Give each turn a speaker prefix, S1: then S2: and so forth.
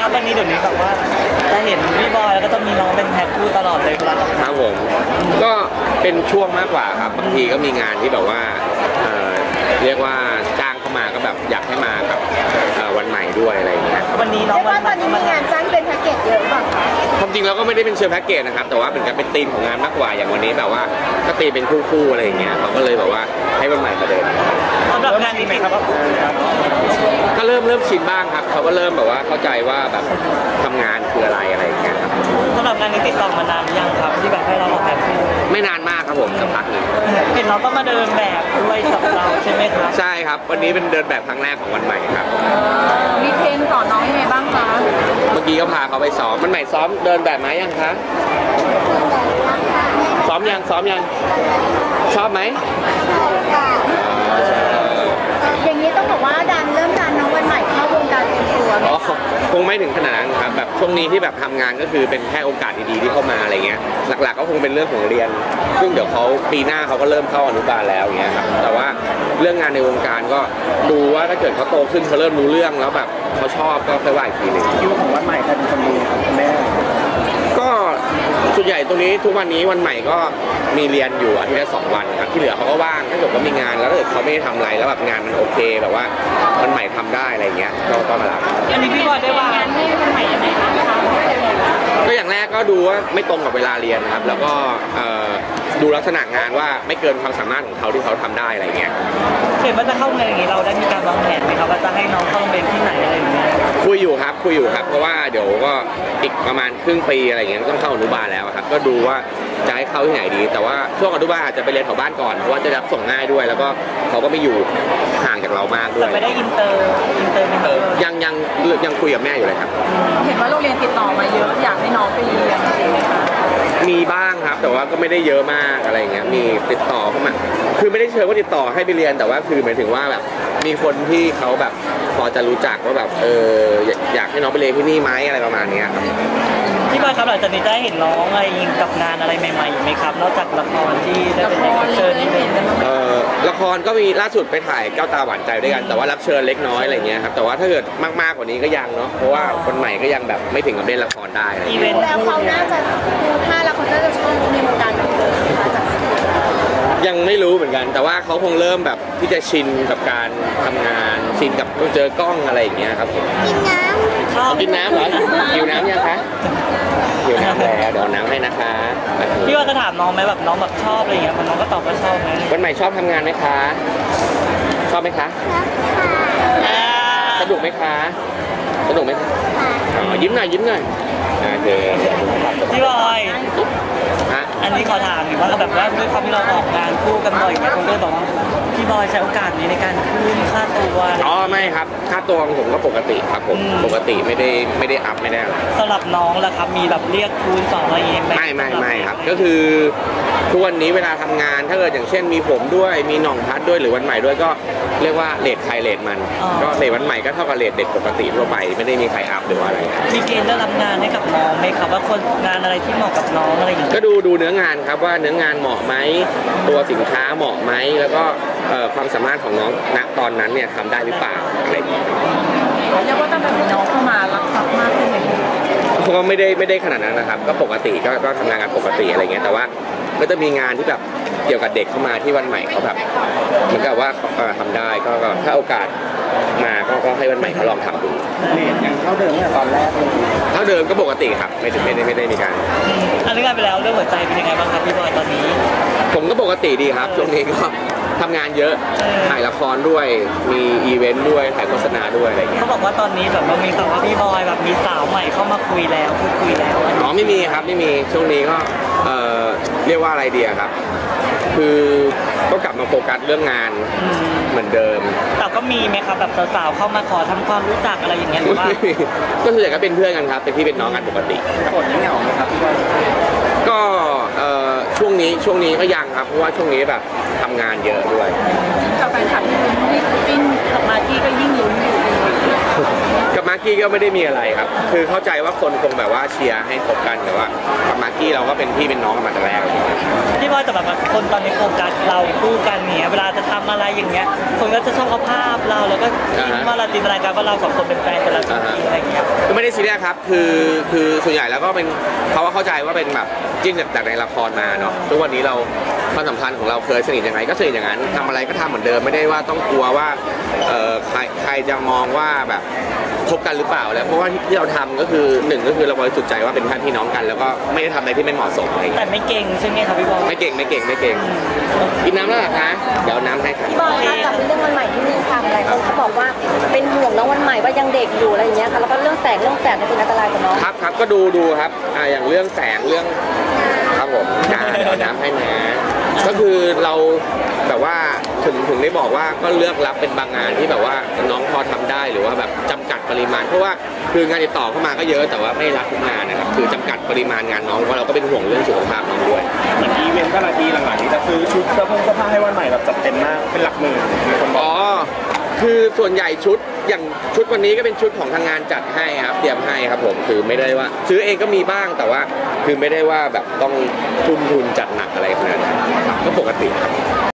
S1: ครับวันนี้เดี๋ยวนี้แบบว่าจะเห็นพี่บอยแล้วก็จะมีน้องเป็นแพ็คคู่ตลอดเลยครับ
S2: ครับผมก็เป็นช่วงมากกว่าครับบางทีก็มีงานที่แบบว่าเรียกว่าจ้างเข้ามาก็แบบอยากให้มากับวันใหม่ด้วยอะไรอย่างเงี้ย
S1: วันนี้น้อง
S3: ว่าตอนนี้มีงานจ้างเป็นแพ็กเกจเยอะป่ะคะ
S2: ความจริงเราก็ไม่ได้เป็นเชิงแพ็กเกจนะครับแต่ว่าเป็นการเป็นธีมของงานมากกว่าอย่างวันนี้แบบว่าก็ตีเป็นคู่ๆอะไรอย่างเงี้ยเขาก็เลยแบบว่าให้วันใหม่มาเดิน
S1: สำหรับงานนี้ไหมครับ
S2: ก็เริ่มชินบ้างครับเขาก็เริ่มแบบว่าเข้าใจว่าแบบทำงานคืออะไรอย่างเงี้ยครับ
S1: สำหรับงานนี้ติดต่อมานานหรือยังครับที่แบบให้เราออกแบบคู่
S2: ไม่นานมากครับผมสักพักหนึ่ง
S1: เห็นเราก็มาเดินแบบด้วยกับเราใช่ไหมครับ
S2: ใช่ครับวันนี้เป็นเดินแบบครั้งแรกของวันใหม่ครับ
S3: มีเทรนสอนน้องยังไงบ้างคะ
S2: เมื่อกี้ก็พาเขาไปซ้อมวันใหม่ซ้อมเดินแบบไหมยังคะซ้อมยังชอบไหม
S3: อย่างนี้ต้องบอกว่าเริ่มดันน้องวันใหม่เข้าวงการเต็มตัวไหมคะ
S2: คงไม่ถึงขนาดนั้นครับแบบช่วงนี้ที่แบบทำงานก็คือเป็นแค่โอกาสดีๆที่เข้ามาอะไรเงี้ยหลักๆก็คงเป็นเรื่องของเรียนซึ่งเดี๋ยวเขาปีหน้าเขาก็เริ่มเข้าอนุบาลแล้วอย่างเงี้ยครับแต่ว่าเรื่องงานในวงการก็ดูว่าถ้าเกิดเขาโตขึ้นเขาเริ่มรู้เรื่องแล้วแบบเขาชอบก็ค่อยว่าอีกทีหนึ่ง
S1: คิวของวันใหม่ใครเป็นคนดูครับคุณแม่
S2: ก็ส่วนใหญ่ตรงนี้ทุกวันนี้วันใหม่ก็มีเรียนอยู่อาทิตย์ละ2 วันครับที่เหลือเขาก็ว่างถ้าเกิดว่ามีงานแล้วถ้าเกิดเขาไม่ได้ทำอะไรแล้วแบบงานมันโอเคแบบว่าวันใหม่ทำได้อะไรเงี้ยก็มารับ
S1: อันนี้พี่บอยได้ว่างานให้วันใหม่ยังไงบ้างคะ
S2: ก็อย่างแรกก็ดูว่าไม่ตรงกับเวลาเรียนครับแล้วก็ดูลักษณะงานว่าไม่เกินความสามารถของเขาที่เขาทำได้อะไรเงี้ย
S1: เห็นว่าจะเข้าโรงเรียนอย่างนี้เราได้มีการวางแผนไหมครับว่าจะให้น้องเข้าโรงเรียนที่ไหนอะไรอย่างเงี้ย
S2: คุยอยู่ครับเพราะว่าเดี๋ยวก็อีกประมาณครึ่งปีอะไรเงี้ยต้องเข้าอนุบาลแล้วครับก็ดูว่าจะให้เข้าที่ไหนดีแต่ว่าช่วงอนุบาลอาจจะไปเรียนแถวบ้านก่อนเพราะว่าจะรับส่งง่ายด้วยแล้วก็เขาก็ไม่อยู่ห่างจากเรามากด้วย
S1: แต่ไม่ได้อินเตอร์
S2: ยังคุยกับแม่อยู่เลยครับ
S3: เห็นว่าโรงเรียนติดต่อมาเยอะอยากให้น้องไปเรียนจริงไหมคะ
S2: มีบ้างครับแต่ว่าก็ไม่ได้เยอะมากอะไรเงี้ยมีติดต่อเข้ามาคือไม่ได้เชิญว่าติดต่อให้ไปเรียนแต่ว่าคือหมายถึงว่าแบบมีคนที่เขาแบบพอจะรู้จักว่าแบบอยากให้น้องไปเรียนที่นี่ไหมอะไรประมาณนี้ครับ
S1: พี่บอยครับหลังจากนี้จะเห็นน้องอะไรกับงานอะไรใหม่ๆไหมครับนอกจากละครที่ได้เป็นรับเชิญนี่เป็น
S2: ละครก็มีล่าสุดไปถ่ายแก้วตาหวานใจด้วยกันแต่ว่ารับเชิญเล็กน้อยอะไรเงี้ยครับแต่ว่าถ้าเกิดมากๆกว่านี้ก็ยังเนาะเพราะว่าคนใหม่ก็ยังแบบไม่ถึงกับเล่นละครได้
S3: อีเวนต์แล้วเขาน่าจะดูท่าแล้วเขาน่าจะชอบในวงการบันเทิงนะคะจาก
S2: ยังไม่รู้เหมือนกันแต่ว่าเขาคงเริ่มแบบที่จะชินกับการทำงานชินกับต้องเจอกล้องอะไรอย่างเงี้ยครับผมกินน้ำเหรอหิวน้ำยังคะหิวน้ำแล้วเดี๋ยวน้ำให้นะคะ
S1: พี่ว่าจะถามน้องไหมแบบน้องแบบชอบอะไรอย่างเงี้ยน้องก็ตอบว่าชอบไหม
S2: วันใหม่ชอบทำงานไหมคะชอบไหมคะสนุกไหมคะยิ้มหน่อยโอเค
S1: พี่บอยอันนี้ขอถามหน่อยว่าแบบว่าด้วยความที่เราออกงานคู่กันบ่อยไหมคนก็บอกว่าพี่บอยใช้โอกาสนี้ในการคืนค่าตัว
S2: ไม่ครับค่าตัวของผมก็ปกติครับผมปกติไม่ได้อัพไม่ได้อะไร
S1: สำหรับน้องล่ะครับมีแบบเรียกคูณ2อะไรอย่างเงี้ย
S2: ไม่ครับก็คือทุกวันนี้เวลาทำงานถ้าเกิดอย่างเช่นมีผมด้วยมีหน่องพัดด้วยหรือวันใหม่ด้วยก็เรียกว่าเรทใครเรทมันก็เรทวันใหม่ก็เท่ากับเรทเด็กปกติทั่วไปไม่ได้มีใครอัพหรือว่าอะไร
S1: มีเกณฑ์ได้รับงานให้กับน้องไหมครับว่าคนงานอะไรที่เหมาะกับน้องอะไรอย่างเงี้ย
S2: ก็ดูเนื้องานครับว่าเนื้องานเหมาะไหมตัวสินค้าเหมาะไหมแล้วก็ความสามารถของน้องณตอนนั้นเนี่ยทำได้หรือเปล่าอะไรอย่างเงี้ย
S3: เรียกว่าตั้งแต่น้องเข้ามารับทรัพย์มากขึ้นไหม
S2: ก็ไม่ได้ขนาดนั้นนะครับก็ปกติก็ทำงานกันปกติอะไรเงี้ยแต่ว่าก็จะมีงานที่แบบเกี่ยวกับเด็กเข้ามาที่วันใหม่เขาแบบเหมือนกับว่าทำได้ก็ถ้าโอกาสมาก็ให้วันใหม่เขาลองทำดู
S1: อย่างเท่าเดิมเนี่ยตอนแรก
S2: เท่าเดิมก็ปกติครับไม่ได้มีการ
S1: อันนี้กันไปแล้วเรื่องหัวใจเป็นยังไงบ้างครับพี่บอยตอนนี้
S2: ผมก็ปกติดีครับช่วงนี้ก็ทำงานเยอะถ่ายละครด้วยมีอีเวนต์ด้วยถ่ายโฆษณาด้วยอะไรเงี้ย
S1: เขาบอกว่าตอนนี้แบบว่ามีข่าวว่าพี่บอยแบบมีสาวใหม่เข้ามาคุยแล้วพูดคุยแล้ว
S2: ไม่มีครับไม่มีช่วงนี้ก็เรียกว่าอะไรดีครับคือก็กลับมาโฟกัสเรื่องงานเหมือนเดิม
S1: แต่ก็มีไหมครับแบบสาวๆเข้ามาขอทำความรู้จักอะไรอย่างเงี้ยหรือว่า
S2: ก็ส่วนใหญ่ก็เป็นเพื่อนกันครับเป็นพี่เป็นน้องกันปกติ
S1: โสดเหงาไหมครับพี่บอย
S2: ก็ช่วงนี้ก็ยังครับเพราะว่าช่วงนี้แบบทำงานเยอะด้วย
S3: กับแฟนคลับที่ลุ้นที่ปิ้นออกมาที่ก็ยิ่งลุ้นอยู่
S2: กับมากกี้ก็ไม่ได้มีอะไรครับคือเข้าใจว่าคนคงแบบว่าเชียร์ให้คบกันแต่ว่ากับมากกี้เราก็เป็นพี่เป็นน้องกันมาแต่แรกเลย
S1: พี่บอยแต่แบบคนตอนนี้โฟกัสเราคู่กันเนี่ยเวลาจะทำอะไรอย่างเงี้ยคนก็จะชอบเอาภาพเราแล้วก็คิดว่าเราจินตนาการว่าเราสองคนเป็นแฟนกันแล้วจริงๆอะไรอย่างเงี้ย
S2: ก็ไม่ได้ซีเรียสครับคือส่วนใหญ่แล้วก็เป็นเขาก็เข้าใจว่าเป็นแบบจิ้นจากในละครมาเนาะทุกวันนี้เราความสัมพันธ์ของเราเคยสนิทยังไงก็สนิทอย่างนั้นทำอะไรก็ทำเหมือนเดิมไม่ได้ว่าต้องกลัวว่าใครจะมองว่าแบบคบกันหรือเปล่าแล้วเพราะว่าที่เราทำก็คือหนึ่งก็คือเราบริสุทธิ์ใจว่าเป็นพี่น้องกันแล้วก็ไม่ได้ทำอะไรที่ไม่เหมาะสมอะไรอย่าง
S1: แต่
S2: เงี้ย
S1: ไม่เก่งใช่ไหมครับพี่บอย
S2: ไม่เก่งกินน้ำแล้วเหรอคะเดี๋ยวน้ำให้ครับ
S3: พี่บอยคะกลับไปเรื่องวันใหม่ที่นี่ค่ะหลายคนเขาบอกว่าเป็นห่วงน้องวันใหม่ว่ายังเด็กอยู่อะไรอย่างเงี้ยค่ะแล้วก็เรื่องแสงเนี่ยเป็นอันตรายกับน้อง
S2: ครับก็ดูครับอย่างเรื่องแสงเรื่องครับผมเอาน้ำให้นะก็คือเราแบบว่าถึงได้บอกว่าก็เลือกรับเป็นบางงานที่แบบว่าน้องพอทำได้หรือว่าแบบจำกัดปริมาณเพราะว่าคืองานติดต่อเข้ามาก็เยอะแต่ว่าไม่รับทุกงานนะครับคือจำกัดปริมาณงานน้องเพราะเราก็เป็นห่วงเรื่องสุขภาพน้องด้วย
S4: เหมือนอีเวนต์แต่ละทีหลังๆนี้จะซื้อชุดเสื้อผ้าให้วันใหม่แบบจัดเต็มมากเป็นหลักหมื่นมีคนบอก
S2: อ๋อคือส่วนใหญ่อย่างชุดวันนี้ก็เป็นชุดของทางงานจัดให้ครับเตรียมให้ครับผมคือไม่ได้ว่าซื้อเองก็มีบ้างแต่ว่าคือไม่ได้ว่าแบบต้องทุ่มทุนจัดหนักอะไรขนาดนั้นครับก็ปกติครับ